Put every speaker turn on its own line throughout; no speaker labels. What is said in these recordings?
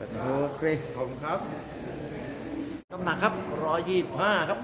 โอเคขอบคุณครับ
น้ำหนักครับ125ครับ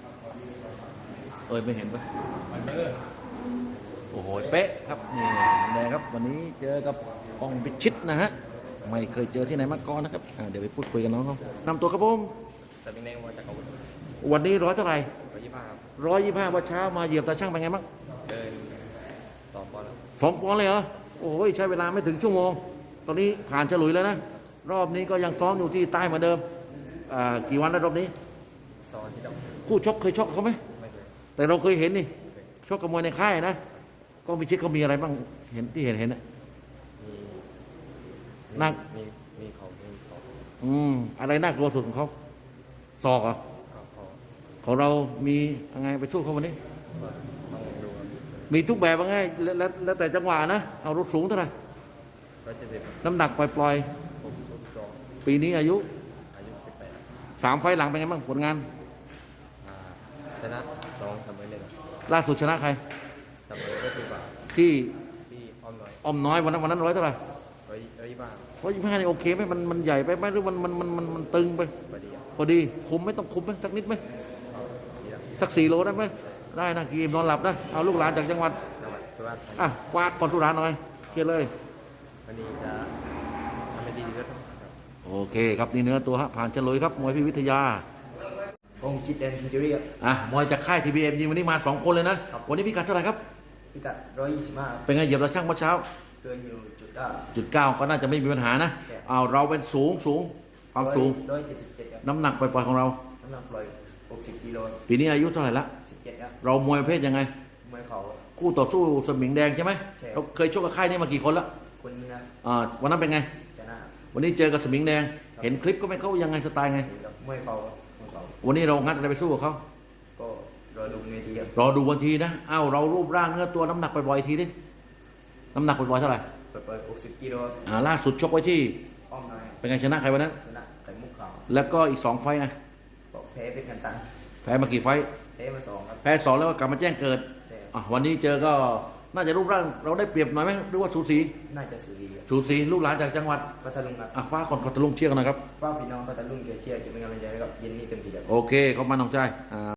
ไม่เห็นปะโอ้โหเป๊ะครับนี่แดงครับวันนี้เจอกับป้องพิชิตนะฮะไม่เคยเจอที่ไหนมาก่อนนะครับเดี๋ยวไปพูดคุยกันน้องเขานำตัวครับผม
แต่เป็นแนวมาจากอาวุธ
วันนี้ร้อยเท่าไหร่
125ครับ
125วันเช้ามาเหยียบตาช่างเป็นไงบ้าง
เดิน2 ปอนด์ครับ
2 ปอนด์เลยเหรอโอ้ยใช้เวลาไม่ถึงชั่วโมงตอนนี้ผ่านฉลุยแล้วนะรอบนี้ก็ยังซ้อมอยู่ที่ใต้เหมือนเดิมกี่วันแล้วรอบนี้
ซ้อมที่ดอก
คู่ชกเคยชกเขาไหม
ไม่เคย
แต่เราเคยเห็นนี่ชกกับมวยในค่ายนะก็พิชิตเขามีอะไรบ้างเห็นที่เห็นนะ
มี
นัก
มีเขา
อะไรน่ากลัวสุดของเขาศอกเหรอ
เขา
ของเรามียังไงไปสู้เขาวันนี้
ต้องดู
มีทุกแบบว่าไงแล้วแต่จังหวะนะเอารถสูงเท่าไหร่
170
น้ำหนักปล่อย
62
ปีนี้อายุ
18
3 ไฟล์หลังเป็นไงบ้างผลงาน
ชนะ2 เสมอ1
ล่าสุดชนะใคร
เสมอก็คือว่า
ที่
อ้อมน้อย
วันนั้นร้อยเท่าไหร่
125
นี่โอเคไหมมันใหญ่ไปไหมหรือมันตึงไปพอดีคุมไหมต้องคุมไหมสักนิดไหมสัก4 โลได้ไหมได้นะกีมนอนหลับนะเอาลูกหลานจากจังหวัด
สุราษฎร์
กวาดก่อนสุราษฎร์หน่อยเคลียร์เลย
วันนี้จะทำให้ดีที่สุด
โอเคครับนี่เนื้อตัวฮะผ่านเฉลยครับมวยพิวิทยา
องจิตแดนซินจูรี่
มวยจากค่าย TBM ยิงวันนี้มา2 คนเลยนะวันนี้พิกัดเท่าไหร่ครับ
พิกัด125
เป็นไงเหยียบเราช่างเมื่อเช้า
เกินอยู่
9ก็น่าจะไม่มีปัญหานะเราเป็นสูงความสูง
177
น้ำหนักปล่อยๆของเรา
น้ำหนักปล่อย60 กิโล
ปีนี้อายุเท่าไหร่ละ
17ครับ
เรามวยประเภทยังไง
มวยเขา
คู่ต่อสู้สมิงแดงใช่ไหมเราเคยชกกับค่ายนี้มากี่คนละ
คนนึงนะ
วันนั้นเป็นไง
ชนะ
วันนี้เจอกับสมิงแดงเห็นคลิปก็ไม่เข้ายังไงสไตล์ไง
มวยเขา
วันนี้เรางัดอะไรไปสู้กับเขา
ก็รอดูเวทีครับ
รอดูวันทีนะเรารูปร่างเนื้อตัวน้ำหนักปล่อยๆทีดิน้ำหนักปล่อยๆเท่าไหร่
ปล่อย60 กิโล
ล่าสุดชกไว้ที่
อ้อมน้อย
เป็นไงชนะใครวันนั้น
ชนะไข่มุกขาว
แล้วก็อีก2 ไฟต์ไง
แพ้เป็นกันตัง
แพ้มากี่ไฟต์
แพ้มา2ครับ
แพ้2แล้วก็กลับมาแจ้งเกิดวันนี้เจอก็น่าจะรูปร่างเราได้เปรียบหน่อยไหมหรือว่าสูสี
น่าจะสูสี
ลูกหลานจากจังหวัด
พัทลุงครับ
ฟ้าคนพัทลุงเชียร์กันนะครับ
ฟ้าพี่น้องพัทลุงเชียร์จะเป็นกำลังใจให้กับเย็นนี้เต็มที่ครับ
โอเคเขามาน้องใจ